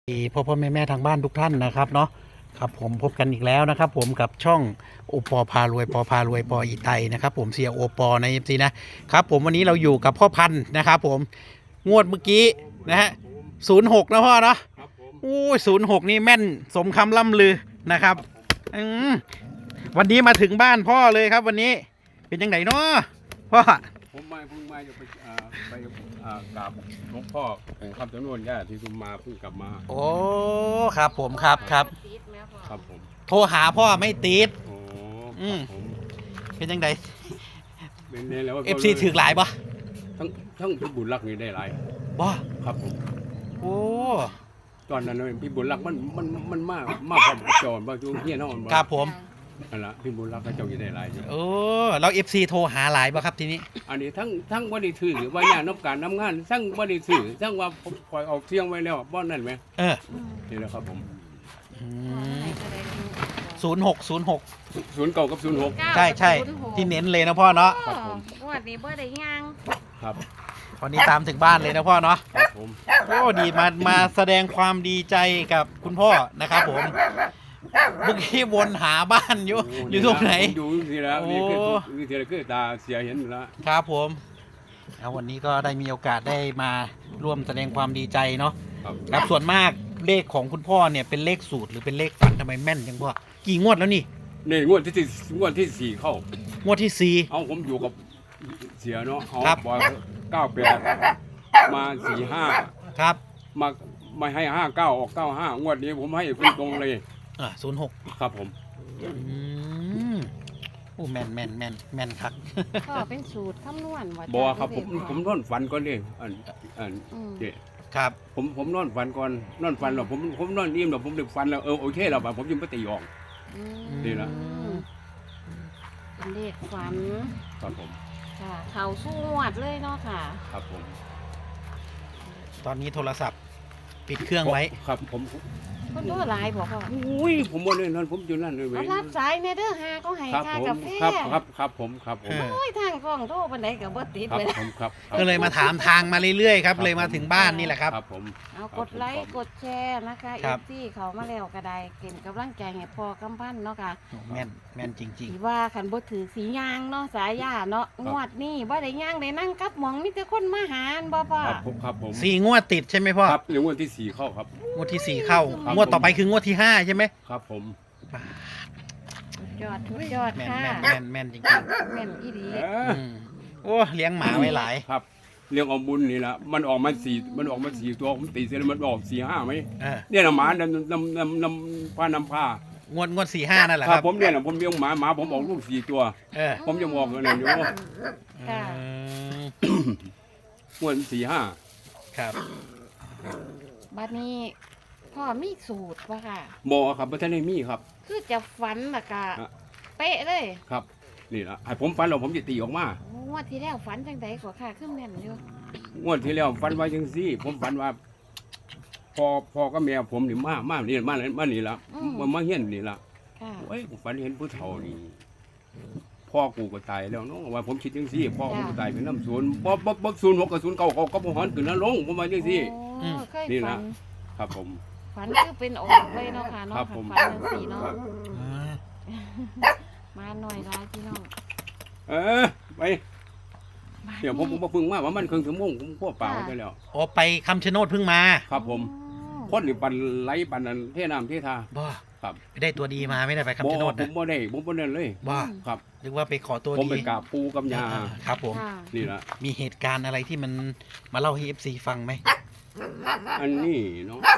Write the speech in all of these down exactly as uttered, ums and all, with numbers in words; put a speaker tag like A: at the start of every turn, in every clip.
A: พ่อพ่อแม่แม่ทางบ้านทุกท่านนะครับเนาะครับผมพบกันอีกแล้วนะครับผมกับช่องโอปอพารวยปอพารวยปออีไตนะครับผมเสียโอปอในเอฟซีนะครับผมวันนี้เราอยู่กับพ่อพันธุ์นะครับผมงวดเมื่อกี้นะฮะศูนย์หกนะพ่อเนาะอู้ศูนย์หกนี่แม่นสมคำล่ำลือนะครับอืมวันนี้มาถึงบ้านพ่อเลยครับวันนี้เป็นยังไงเนาะพ่อ
B: ผมมาเพิ่งมาจะไปอ่าไปอ่ากราบหลวงพ่อแห่งคำจำนวนญาติที่คุณมาเพิ่งกลับมา
A: โอ้ครับผมครับครับ
B: ครับผม
A: โทรหาพ่อไม่ติด
B: โอ้
A: อืม
B: ผม
A: เป็นยังไง
B: เป็นเนี่ยแล้ว
A: เอฟซีถือหลายปะ
B: ทั้งทั้งพี่บุญรักนี่ได้หลาย
A: บ่
B: ครับผม
A: โอ้
B: ตอนนั้นพี่บุญรักมันมันมันมากมากกว่าจอนบางช่วงเฮี้ยนอน
A: ครับผม
B: นั่นแหละพี่บุญรักก็เจ้าอยู่ได้หลายอยู่
A: โอ้แล้วเอฟซีโทรหาหลายปะครับทีนี้
B: อันนี้ทั้งทั้งวันนี้ถือว่าอย่างน้ำการน้ำงานทั้งวันนี้ถือทั้งว่าผมปล่อยออกเที่ยงไว้แล้วบ้านนั่นไหม
A: เออ
B: นี่แหละครับผม
A: ศูนย์หกศูนย์หก
B: ศูนย์เก่ากับศูนย์หก
A: ใช่ใช่ที่เน้นเลยนะพ่อเนาะ
B: ครับผม
C: วันนี้บ่ได้ยัง
B: ครับ
A: วันนี้ตามถึงบ้านเลยนะพ่อเนาะ
B: ครับผม
A: โอ้ดีมามาแสดงความดีใจกับคุณพ่อนะครับผมเมื่อกี้วนหาบ้านอยู่อยู่ตรงไหน
B: อยู่ที่แล้วนี่คือคือที่แล้วคือตาเสียเห็นแล้ว
A: ครับผมแล้ววันนี้ก็ได้มีโอกาสได้มาร่วมแสดงความดีใจเนาะครับส่วนมากเลขของคุณพ่อเนี่ยเป็นเลขสูตรหรือเป็นเลขฝันทำไมแม่นจังพ่อกี่งวดแล้วนี่
B: นี่งวดที่งวดที่สี่เข้าง
A: วดที่สี่
B: เอาผมอยู่กับเสียเนาะเอาบอยเก้าแปดมาสี่ห้า
A: ครับ
B: มามาให้ห้าเก้าออกเก้าห้างวดนี้ผมให้คุณตรงเลย
A: อ่าศูนย์หก
B: ครับผม
A: อืมโอ้แม่นแม่นแม่นแม่นครับ
C: ก็เป็นสูตรคำนวณว่า
B: บอกครับผมผมนอนฝันก่อนดิอันอันเด็
A: ครับ
B: ผมผมนอนฝันก่อนนอนฝันหรอผมผมนอนนิ่มหรอผมดึกฝันแล้วเออโอเคแล้วผมยังไม่ตีออกนี่ละ
C: เป็นเลขฝัน
B: ครับผม
C: ค่ะเขาสู้งวดเลยเนาะค่ะ
B: ครับผม
A: ตอนนี้โทรศัพท์ปิดเครื่องไว้
B: ครับผม
C: คนตัวหลายบอกว่า
B: อุ้ยผมบ่ได้นั่นผมอยู่นั่นเลยเว้
C: ยรับสายในเด้อหาก็ให้ค่ากาแฟ
B: ครับครับครับผมครับผม
C: โอ้ยทางกล้องโทรปานใดก็บ่ติดเลย
B: ผมครับ
A: ก็เลยมาถามทางมาเรื่อยๆครับเลยมาถึงบ้านนี่แหละครับ
B: ครับผม
C: เอากดไลค์กดแชร์นะคะเอฟซีเขามาแล้วก็ได้เก่งกำลังใจให้พ่อกำพันเนาะค่ะ
A: แม่นแม่นจริง
C: ๆว่าคันบ่ถือสียางเนาะสายยาเนาะงวดนี้บ่ได้ย่างได้นั่งกับหมองมีแต่คนมาหาบ่พ่อ
B: ครับผมครับผม
A: สี่งวดติดใช่ไหมพ่อ
B: ครับงวดที่สี่เข้าครับ
A: งวดที่สี่เข้างวดต่อไปคืองวดที่ห้าใช่ไหม
B: ครับผม
C: ยอดทุกยอดค่ะ
A: แม่นแม่นจริงๆ
C: แม่นอีดี
A: โอ้เลี้ยงหมาไว้หลาย
B: ครับเลี้ยงเอาบุญนี่แหละมันออกมาสี่มันออกมาสี่ตัวผมตีเสร็จแล้วมันออกสี่ห้าไหมเนี่ยนะหมาดำดำดำดำผ้านำผ้
A: างวดงวดสี่ห้านั่นแหละ
B: ครับผมเนี่ยนะผมเลี้ยงหมาหมาผมออกลูกสี่ตัวผมจะบอกเลยอยู่งวดสี่ห้า
A: ครับ
C: บัดนี้พ่อมีสูตรป่ะค่ะ
B: บอกครับว่าท่านได้มีครับ
C: คือจะฝันละกะเป๊ะเลย
B: ครับนี่ละให้ผมฝันเราผมจะตีออกม
C: างวดที่แล้วฝันจังใดกว่าค่ะขึ้นแม่นอยู่
B: งวดที่แล้วฝันไว้จังซี่ผมฝันว่าพอพอก็แม่ผมนี่มามานี่มามานี่ละมามาเฮี้ยนนี่ละเอ้ยผมฝันเห็นผู้เฒ่านี่พ่อกูก็ตายแล้วเนาะว่าผมคิดจังซี่พ่อกูตายเป็นน้ำศูนย์บ่บ่บ่ศูนย์หกกับศูนย์เก้าเขาก็บ่หอนขึ้นแล้วลงผมมาจังซี่นี่ละครับผม
C: ฝันคือเป็นออกเลยเนาะค่ะเนาะฝันจังซี่เนาะมาหน่อยร้ายพี่น้อง
B: เออไปเดี๋ยวผมผมมาพึ่งมาว่ามันเครื่องถึงมุ่งผมพ่อเปล่าไปแล้ว
A: อ๋อไปคำชะโนดพึ่งมา
B: ครับผมพ่นหรือปันไหลปันนั้นเทน้ำเททา
A: บ้า
B: ครับ
A: ได้ตัวดีมาไม่ได้ไปคำชะโนด
B: นะผมบ่ได้ผมบ่ได้เลย
A: บ้า
B: ครับ
A: เรียกว่าไปขอตัวดี
B: ผมไปกราบปูกับยา
A: ครับผม
B: นี่ละ
A: มีเหตุการณ์อะไรที่มันมาเล่าให้เอฟซีฟังไหม
B: อันนี้เนาะ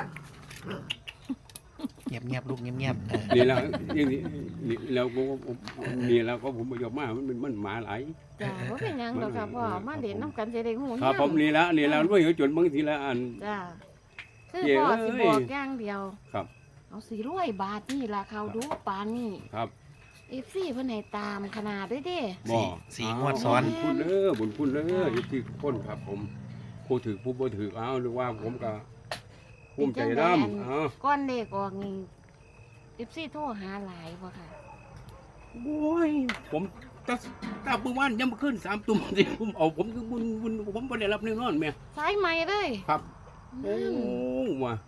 A: เงียบเงียบลูกเงียบเงียบ
B: นี่แล้วนี่แล้วก็นี่แล้วก็ผมไปยกมามันมันหมาหลาย
C: จ้าว่าเป็นยังหรอกค่ะพ่อมาเด่นน้ำกันจะได้หู
B: ครับผมนี่แล้วนี่แล้วด้วยจนบางทีละอัน
C: จ้าคือพ่อสิบอกอย่างเดียว
B: ครับ
C: เอาสี่ร้อยบาทนี่ราคาดูปานนี่
B: ครับ
C: เอฟซีเพิ่นให้ตามขนาดด้วยดิ
A: สี่สี่งวดซ้อน
B: บุญคุณเด้อบุญคุณเด้อที่คนครับผมผู้ถือผู้บ่ถือเอาหรือว่าผมก็ภูมิใจน้
C: ำก้อนเด็กออกนี่เอฟซีโทรหาหลายว่ะค่ะ
B: โอ้ยผมตาตาปื้วันยังมาขึ้นสามตุ่มสิผมเอาผมคือบุญบุญผมไม่ได้รับแน่นอนแม่
C: สายใหม่เลย
B: ครับโอ้ว่ะ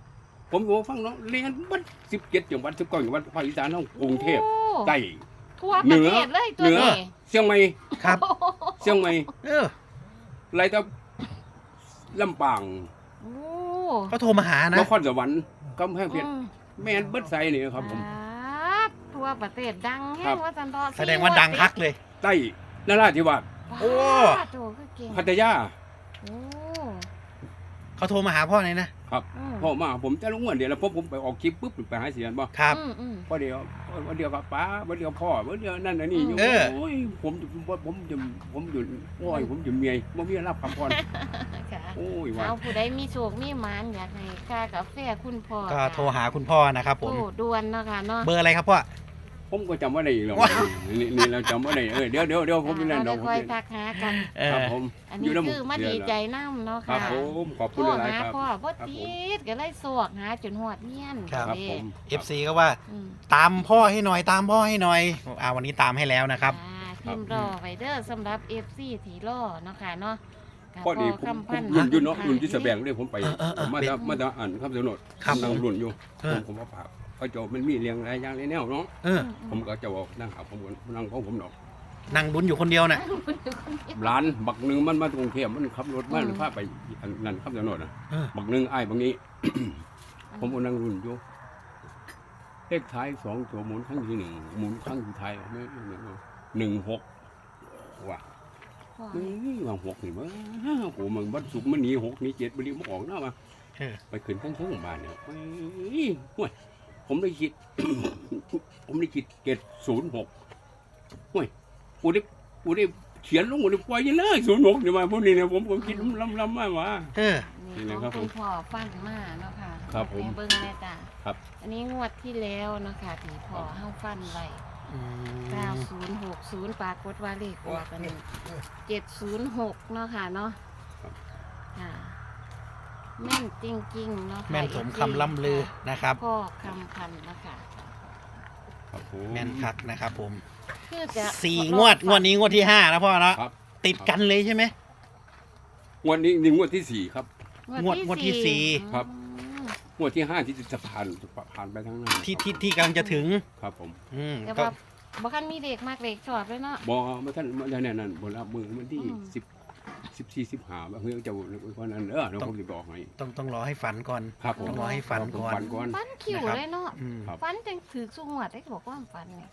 B: ผมบอกฟังเนาะเรียนบัดสิบเจ็ดจังหวัดสิบเก้าจังหวัดภาคอีสานเฮากรุงเทพ
C: โอ้
B: ใต้
C: ทั่วประเทศเลยตัว
B: เหนือ
C: นี้
B: เชียงใหม่
A: ครับ
B: เชียงใหม่
A: เออ
B: ไรแต่ลำปาง
C: โอ้
A: เขาโทรมาหานะ
B: นครสวรรค์กำแพงเพชร
C: อืม
B: แม่นเบิดไซนี่ครับผม
C: ครับทั่วประเทศดังแห้
B: ครั
C: ง
B: บ
C: ว่าจันทร์
A: แสดงว่าดังคักเลย
B: ใต้นราธิวาส
A: โอ้
C: โตคือเก่ง
B: พัทยา
C: โอ้
A: เขาโทรมาหาพ่อเลยนะ
B: ครับ
C: อืม
B: พ่อมาผมจะลงเงินเดี๋ยวแล้วพอผมไปออกคลิปปุ๊บไปหาเสียงบ่
A: ครับ
C: อืมอืม
B: พอเดียววันเดียวกับป้าวันเดียวพ่อวันเดียวนั่นน่ะนี่อยู่
A: เออ
B: โอ้ยผมผมผมจะผมอยู่โอ้ยผมจะเมียบ่มีรับคำพร
C: ค่ะ
B: โอ้ยว่า
C: เอาผู้ใดมีโชคมีหมานอยากให้ค่ากาแฟคุณพ่อ
A: ก็โทรหาคุณพ่อนะครับผม
C: โอ้ด่วนเนาะค่ะเนาะ
A: เบอร์อะไรครับพ่อ
B: ผมก็จำว่าได้อีกแล้ว
A: ว้าว
B: นี่นี่เราจำว่าได้เออเดี๋ยวเดี๋ยวเดี๋ยวผมจะนั่น
C: เรา
B: เดี๋ยวผม
C: ค่อย
B: จะ
C: ทักหากัน
A: เอ
B: ครับ
A: อ
B: ผม
C: อัน
B: อยู่
C: นี้
B: น้ำ
C: คือมาดีใจน้ำเนาะ
B: ครั
C: ค่ะ
B: บผมขอบ
C: โท
B: คุณ
C: ร
B: หลาย
C: หา
B: ๆครับ
C: พ่อบ่
B: ครับ
C: ติ
B: ผม
C: ดก็เลยสวกหาจนหอดเมียน
A: ครับ
B: ครับ
C: เด้
B: ผม
A: เอฟซีก็ว่า
C: อืม
A: ตามพ่อให้หน่อยตามพ่อให้หน่อยอ่าวันนี้ตามให้แล้วนะครับ
C: อ่าพิมพ์รอไว้เด้อสำหรับ เอฟ ซี ที่รอเนาะค่ะเนาะก็
B: พอดีผม
C: คำพันธ์
B: รุ่นอยู่เนาะรุ่นที่แสดงเลยผมไป
A: เออเออเออ
B: มาจะมาจะอ่านคำสนด
A: ครับ
B: นั่งรุ่นอยู่
A: เออ
B: ผมผมว่าปากเขาจะมันมีเรียงอะไรอย่างไรแนวเนาะ
A: เออ
B: ผมก็จะบอกนั่งหาผมก่อนนั่งของผมดอก
A: นั่งดุนอยู่คนเดียวน่ะ
B: ร้านบักหนึ่งมันมาตรงเทียมมันขับรถมาหรือพาไปอันนั่นคำสนดนะ
A: เออ
B: บักหนึ่งไอ้ายบางนี้ ผมก็นั่งรุ่นอยู่เลขท้ายสองตัวหมุนครั้งที่หนึ่งหมุนครั้งที่ท้ายไม่หนึ่งหนึ่งหกว่ะ
C: พ่อ
B: นี่ว่าหกนี่มั้งโอ้มันวันศุกร์มันหนีหกหนีเจ็ดมันหนีมันออกหน้ามา
A: เออ
B: ไปขึ้นทั้งช่องบ้านเนี่ยเฮ้ยห่วยผมได้คิด ผมได้คิดเจ็ดศูนย์หกห่วยกูได้กูได้เขียนลงกูได้ปล่อยอยังเลยศูนย์หกเนี่ยมาพวกนี้เนี่ยผมผมคิดล้ำล้ำมากว่า
A: เออ
C: นี่
B: นี่
C: ข
B: นะ
C: อง
B: ครับ
C: คุณพ่อฟังมาเนาะค่ะ
B: ครับผม
C: ให้เบิ่งแม่จ้ะ
B: ครับ
C: อันนี้งวดที่แล้วเนาะค่ะที่พ่อเฮาฟันไว้
A: อืม
C: เก้าศูนย์หกศูนย์ปรากฏว่าเลขออกกันเจ็ดศูนย์หกเนาะค่ะเนาะ
B: ครับ
C: ค่ะแม่นจริงๆเนาะค่ะ
A: แม่นสมคำล่ำลือนะครับ
C: พ่อคำพันธุ์เนาะคะ
B: ครับผม
A: แม่นคักนะครับผม
C: คือจะ
A: สี่งวดงวดนี้งวดที่ห้าแล้วพ่อเนาะ
B: ครับ
A: ติดกันเลยใช่ไหม
B: งวดนี้นี่งวดที่สี่ครับ
A: งวดงวดที่สี่
B: ครับ
C: อืม
B: งวดที่ห้าที่จะผ่านผ่านไปทั้งนั้น
A: ที่ที่ที่กำลังจะถึง
B: ครับผม
A: อืม
C: แต่
A: ก็
C: ว่าบ่คันมีเด็กมากเด็กชอบเลยเนาะ
B: บอกมาท่านมาท่านนั่นบนรับมือวันที่
C: อืม
B: สิบสิบสี่สิบห้าเฮ้ยเจ้าเพราะนั้นเออเดี๋ยวผมจะบอกให้
A: ต้องต้องรอให้ฝันก่อน
B: ครับผม
A: ต้องรอให้ฝันก่อน
B: ฝันก่อน
C: ฟันคิว
A: นะครับ
C: เลยเนาะ
A: อืม
B: ครับ
C: ฟันจังถือสุงวดได้บอกว่าฟันเนี่ย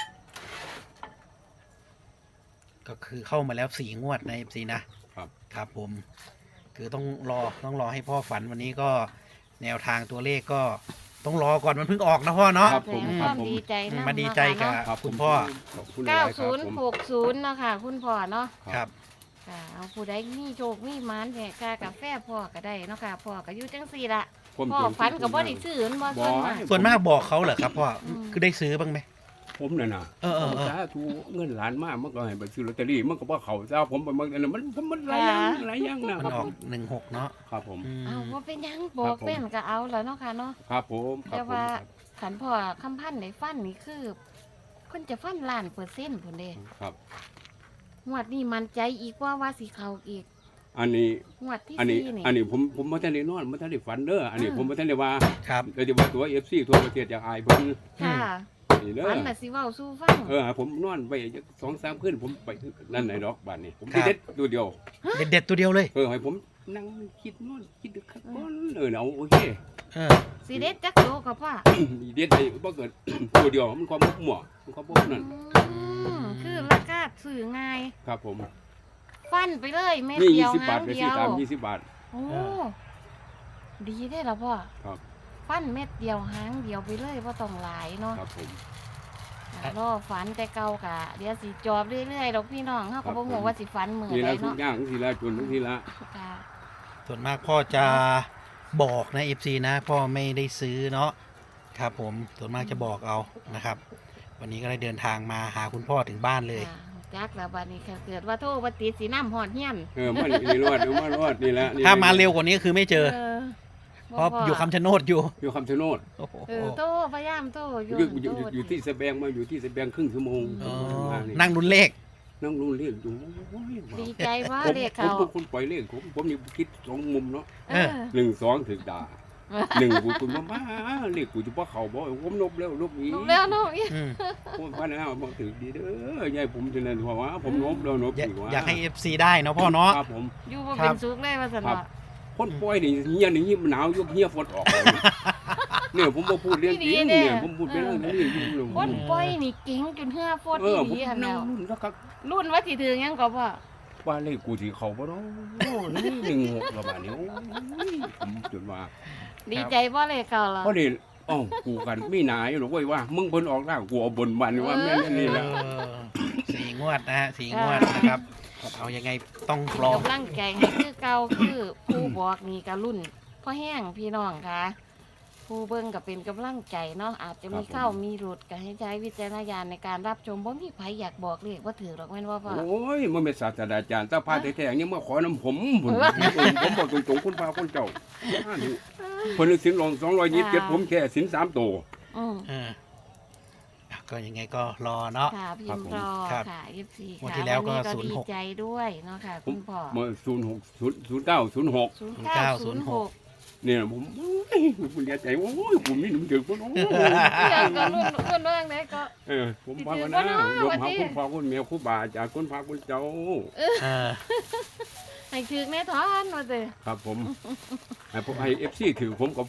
A: ก็คือเข้ามาแล้วสี่งวดในเอฟซีนะครับ ครับผม คือต้องรอต้องรอให้พ่อฝันวันนี้ก็แนวทางตัวเลขก็ต้องรอก่อนมันเพิ่งออกนะพ่อเนาะ
B: ครับ
C: แส
B: ผ
C: ด
B: ม
C: ง
B: ค
C: ครับ วาม
B: ผม
C: ดีใจ
A: อืม
C: นำ
A: มาดีใจกับ
C: เนาะ
B: ครับ
A: คุณพ่อ
B: ขอบคุณห
C: เก้า
B: ลายๆค
C: ศู
B: รับ
C: นย์
B: ผม
C: หกศูนย์เนาะค่ะ คุณพ่อเนาะ
A: ครับ
C: ค่ะเอาผู้ใดมีโชคมีหมานแจกกากาแฟพ่อก็ได้เนาะค่ะพ่อก็อยู่จังซี่ละ
B: ผม
C: พ่อฝันกับบ่ได้ซื้อมันบ่ส่วนมาก
A: ส่วนมากบอกเขาเหรอครับพ่ออ
C: ม
A: คือได้ซื้อบ้างไหม
B: ผมน่ะนะ
A: เออเออเออ
B: สาธุเงินล้านมากมันก็ให้ไปซื้อลอตเตอรี่มันก็บ่เข้าเจ้าผมไปมันมันมันหลายอย่างหลายอย่างนะ
A: มัน
B: ครับ
A: ออ
B: ผ
A: ก
B: ม
A: หนึ่งหกเนาะ
B: ครับผม
A: อืม
C: เอาว่าเป็นหยังบอกเป็นก็เอาแล้วเนาะค่ะเนาะ
B: ครับผมครั
C: แต่
B: บผม
C: ว่าขันพ่อคำพันธ์ในฟันนี่คือคนจะฟันล้านเปอร์เซ็นต์พุ่นเด้
B: ครับ
C: งวดนี้มันใจอีกว่าว่าสิเข้าอีก
B: อันนี้
C: งวดที่
B: อันนี้
C: สี่นี่
B: อันนี้ผมผมบ่ทันได้นอนบ่ทันได้ฝันเด้ออันนี้
C: อ่า
B: ผมบ่ทันได้ว่า
A: ครับ
B: แต่จะว่าตัว เอฟ ซี ทั่วประเทศอยากอายเพิ่น
C: ค่ะ
B: นี่เด้อ
C: ฟันน่ะสิเว้าสู้ฟัง
B: เออผมนอนไปสองสามคืนผมไปนั่นไหนดอกบ้านนี่ผม
A: ครับ
B: เด็ดตัวเดียว
A: เด็ดเด็ดๆตัวเดียวเลย
B: เออให้ผมนั่งคิดนอนคิดดึกคักก่อนเออเอาโอเค
A: เออ
C: สิเด็ดจักโตกับพ่อ
B: เด็ดไปบ่เกิด ตัวเดียวมันความมั่วมันความบ่นั่น
C: อืมคือราคาซื้อง่าย
B: ครับผม
C: ฟันไปเลยเม็ด
B: นี่
C: เดียว
B: ยี่สิบ
C: หา
B: บาท
C: ง
B: ไป
C: เดี
B: ซื้
C: ย
B: อ
C: ว
B: ตามยี่สิบบาท
C: โอ้ดีได้แล้วพ่อ
B: ครับ
C: ฟันเม็ดเดียวหางเดียวไปเลยบ่ต้องหลายเนาะ
B: ครับผม
C: รอฝันแต่เก่ากะเดี๋ยวสิจอบเรื่อยๆดอกพี่น้องเฮาก็บ่ฮู้ว่าสิฝันมื้อ
B: ที
C: ใด
B: ละทุก
C: เนาะ
B: อย่างทีละจนทีละ
C: ค่ะ
A: ส่วนมากพ่อจะบอกนะเอฟซีนะ พ่อไม่ได้ซื้อเนาะครับผมส่วนมากจะบอกเอานะครับ วันนี้ก็ได้เดินทางมาหาคุณพ่อถึงบ้านเลย
C: ค่ะจักแล้วบัดนี้ค่ะเกิดว่าโทรบ่ติดสิน้ำฮอดเฮียน
B: เออมันนี่รอดเอามารอดนี่แหละนี่
A: ถ้ามาเร็วกว่านี้คือไม่เจอ
C: เออ
A: เพราะอยู่คำชะโนดอยู่
B: อยู่คำชะโนด
A: โอ้โห
C: เออโทรพยายามโทรอ
B: อยู่
C: ยู่
B: อยู่อยู่อยู่ที่สะแบงมาอยู่ที่สะแบงครึ่งชั่วโมง
A: อ๋อ
B: มานี่
A: นั่งรุนเลข
B: นั่งรู้เรียกอยู่โอ้ย
C: ดีใจว่า
B: ผม
C: เด็ก
B: ผม
C: เขา
B: เป็นคนปล่อยเลขผมผมนี่คิดสองมุมเนาะ
C: เออ
B: หนึ่งสองถึงด่าหนึ่งกูกูมาบ้าเรียกกูจะพ่อเขาบ่ผมนบแล้วนบอีก
C: นบแล้วเนาะ
A: อืม
B: ผมพันแล้วบอกถือดีเด้อยายผมจะนั่นเพราะว่าผมนบแล้วนบ
A: อยาก
B: อีกว่า
A: อยากให้ เอฟ ซี ได้เนาะพ่อเนาะ
B: ครับผม
C: อยู่บ่
A: ครั
C: เป็
A: บ
C: นสุขเลยว่าซั่น
B: ครับ
C: ว่า
B: คนป่วยนี่เฮียนี่หนาวยกเฮียฝนออกเลยเนี่ยผมบ่พูดเรื่องจริงเนี่ยผมพูดเป็นเรื่องนี้อยู่เลย
C: คนป่วยนี่เก่งจนเหือฟด
B: เอ
C: อี
B: อ
C: ห
B: ผม
C: ลีหั่น
B: นั่
C: แล้
B: ง
C: ว
B: รุ่นแล้วก็
C: รุ่นว่าสิถึงหยังก็พ่อ
B: ว่าเลขกูที่เขาบ่เนาะโอ้นี่หนึ่งหกประมาณนี้โอ้ยผมจนว่า
C: ดีใจบ่เลยเก่าล่ะ
B: เพราะนี่อ๋อกูกันไม่หนายหรอกเว้ยว่ามึงเพิ่นออกล่างกูเอาบนบันว่าแม่นนี่แหละ
A: เออสี่งวดนะฮะสี่งวดนะครับเอายังไงต้อง
C: เป็น
A: รอก
C: ำลังใจให้คือเก่าคือผู้บอกนี่ก็รุ่นพ่อแห้งพี่น้องค่ะผู้เบิ่งก็เป็นกำลังใจเนาะอาจจะมีเข้ามีหลุดก็ให้ใช้วิจารณญาณในการรับชมบ่มีไผอยากบอกเลขว่าถือหรอกแม่นว่าพ่อ
B: โอ้ยมันเป็นศาสตราจารย์ตาพาแท้ๆยังมาขอน้ำผมผมผมบอกตรงๆคุณพาคุณเจ้าอ่านี่เพิ่นสินลงสองร้อยยี่สิบเจ็ดผมแค่สินสามตัว
C: อืม
A: เออก็ยังไงก็รอเนาะ
C: ค่ะพิมพ์รอ
A: ครับ
C: ค่ะ เอฟ ซี
A: งวด
C: ค่ะ
A: ที่แล้วก็
C: วันนี้
A: ศูนย์
C: ดี
A: หก
C: ใจด้วยเนาะค่ะคุณพ่อ
B: เมื่อศูนย์หกศูนย์ศูนย์เก้าศูนย์หก
C: ศูนย์เก้าศูนย์หก
B: เนี่ยผมโอ้ยผมเสียใจโอ้ยผมนี่หนุ่มถึงคนโอ้ย
C: เรื่องก็รุ่นรุ่นเรื่องไหนก็
B: เออผมพาวันนะรวมหาคุณพ่อคุณแม่คุณบาจากคุณพาคุณเจ้า
A: เออ
C: ให้ถึกแน่ทอนว่าเด้อ
B: ครับผมให้ผมให้เอฟซีถือผมกับ